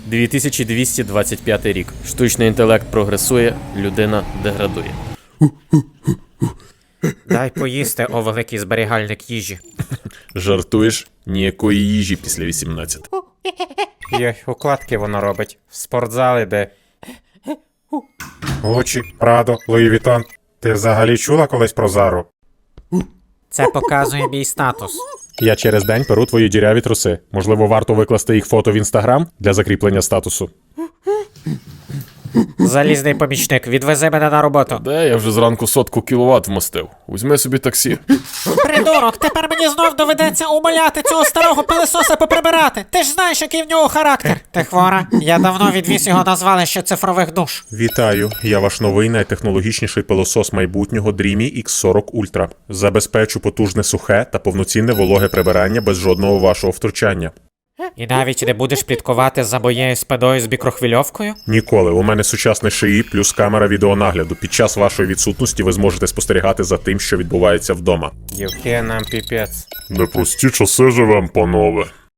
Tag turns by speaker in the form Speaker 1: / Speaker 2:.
Speaker 1: 2225 рік. Штучний інтелект прогресує, людина деградує.
Speaker 2: Дай поїсти, о великий зберігальник їжі.
Speaker 3: Жартуєш? Ніякої їжі після 18.
Speaker 2: Йой, укладки воно робить. В спортзал іде.
Speaker 4: Гуччі, Прадо, Луї Вітон. Ти взагалі чула колись про Зару?
Speaker 2: Це показує мій статус.
Speaker 4: Я через день перу твої діряві труси. Можливо, варто викласти їх фото в інстаграм для закріплення статусу.
Speaker 2: Залізний помічник, відвези мене на роботу.
Speaker 3: Де я вже зранку 100 кіловат вмостив? Візьми собі таксі.
Speaker 2: Придурок, тепер мені знов доведеться умоляти цього старого пилисоса поприбирати. Ти ж знаєш, який в нього характер. Ти хвора? Я давно відвіз його на звалище цифрових душ.
Speaker 4: Вітаю, я ваш новий найтехнологічніший пилосос майбутнього Dreamy X40 Ultra. Забезпечу потужне сухе та повноцінне вологе прибирання без жодного вашого втручання.
Speaker 2: І навіть не будеш пліткувати за моєю спиною з мікрохвильовкою?
Speaker 4: Ніколи. У мене сучасний шиї плюс камера відеонагляду. Під час вашої відсутності ви зможете спостерігати за тим, що відбувається вдома.
Speaker 2: Юхе нам піпець.
Speaker 3: Непрості часи живем, панове.